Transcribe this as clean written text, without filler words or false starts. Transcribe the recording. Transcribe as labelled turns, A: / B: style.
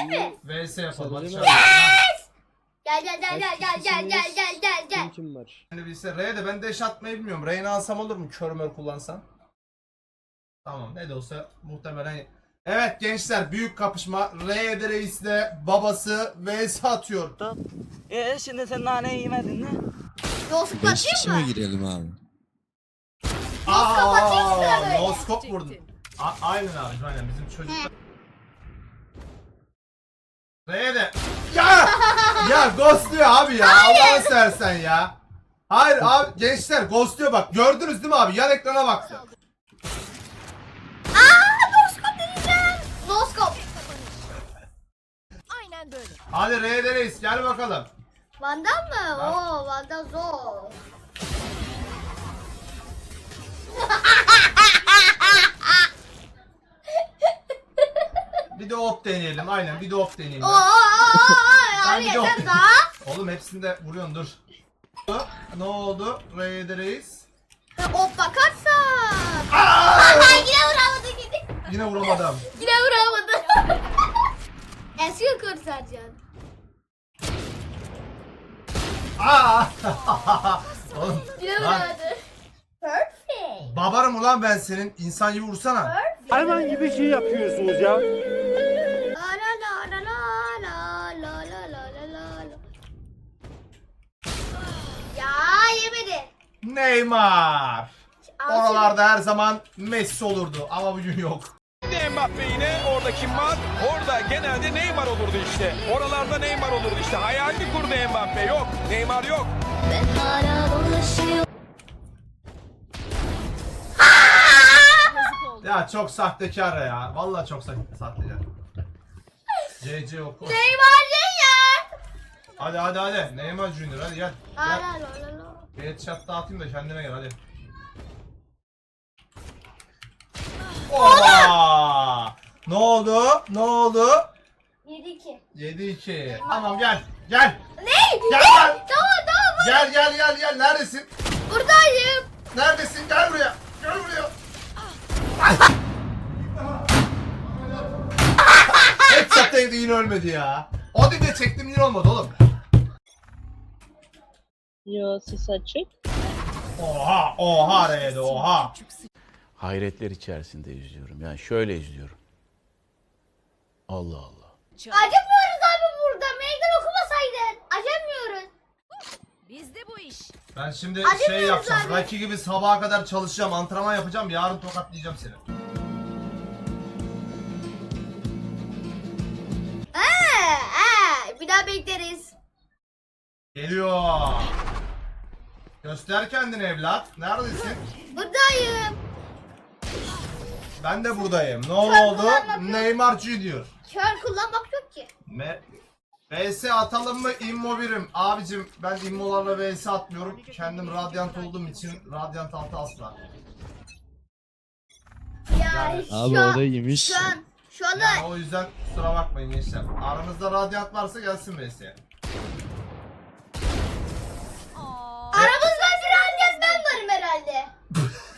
A: mi?
B: VS yapalım. Hadi
C: Sarılı
B: şöyle.
A: Gel.
C: Kim var?
B: Şimdi bilse R'ye de ben dash atmayı bilmiyorum. R'ni alsam olur mu? Körmör kullansam. Tamam ne de olsa muhtemelen. Evet gençler büyük kapışma. R'ye reisle babası vs atıyor.
D: Şimdi sen naneyi yemedin mi?
A: Yolsuk
E: 5 kişi
A: atayım
E: mi
A: mı?
E: girelim abi?
A: atayım sana böyle.
B: Noskop vurdun. Aynen abi aynen bizim çocuklar. R'ye de. Ya ghostluyor abi ya. Allah'ını seversen ya. Hayır abi gençler ghostluyor bak. Gördünüz değil mi abi? Yan ekrana baktı.
A: Noskop deneyeceğim. Noskop.
F: Aynen böyle.
B: Hadi R'ye reis gel bakalım.
A: Vandal mı?
B: Bak.
A: Oo Vandal zor.
B: Bir de op deneyelim aynen bir de op deneyelim.
A: Oo
B: Ben
A: abi
B: bir de op
A: yeter daha.
B: Oğlum hepsinde vuruyorsun dur. Ne oldu? R'ye reis.
A: Hop bakarsan.
B: Aa!
A: Yine vuramadı yine.
B: Yine vuramadım.
A: Yine vuramadı. Eski kurtarcan.
B: Aa! Oğlum,
A: Yine
B: lan,
A: vuramadı. Perfect.
B: babarım ulan ben senin. İnsan gibi vursana.
C: Hayvan gibi şey yapıyorsunuz ya.
A: La la la la la la la la la la la. Ya yemedi.
B: Neymar.
A: Al
B: Oralarda her zaman Messi olurdu ama bugün yok.
G: Mbappe yine orada kim var? Orada genelde Neymar olurdu işte. Oralarda Neymar olurdu işte. Hayalini kurdu Mbappe. Yok. Neymar yok.
A: Ben hala dolaşıyorum.
B: Ya çok sahtekar ya. Vallahi çok sahtekar. CC oku.
A: Neymar Junior.
B: Hadi. Neymar Junior hadi gel.
A: La
B: Gel.
A: la la la la.
B: Bir headshot dağıtayım da kendime gel hadi. Oha! Ne oldu?
A: 7-2.
B: 7-2. Tamam gel. Gel.
A: Ne?
B: Gel.
A: Tamam.
B: Gel. Neredesin?
A: Buradayım.
B: Neredesin? Gel buraya. Headshot değdi yine ölmedi ya. O dibe çektim yine olmadı oğlum.
H: Yo ses açık.
B: Oha R'de oha.
I: Hayretler içerisinde izliyorum. Yani şöyle izliyorum. Allah Allah.
A: Acımıyoruz abi burada. Meydan okumasaydın. Acımıyoruz.
F: Bizde bu iş.
B: Ben şimdi
A: Hadi
B: şey
A: biraz
B: yapacağım.
A: abi.
B: Rocky gibi sabaha kadar çalışacağım. Antrenman yapacağım. Yarın tokatlayacağım seni.
A: Bir daha bekleriz.
B: Geliyor. Göster kendini evlat. Neredesin?
A: Buradayım.
B: Ben de buradayım. Ne
A: Sen
B: oldu?
A: kullanmak yok.
B: Neymar Junior.
A: Kör kullanmak yok ki.
B: VS atalım mı immo birim? Abicim ben immolarla VS atmıyorum. Kendim radyant olduğum için radyant altı asla.
A: Yani
E: Abi
A: şu
E: o
A: an,
E: da iyiymiş.
A: şu anda
B: Yani o yüzden kusura bakmayın gençler. Aranızda radyant varsa gelsin VS'ye.
A: aramızda bir herkes ben varım herhalde.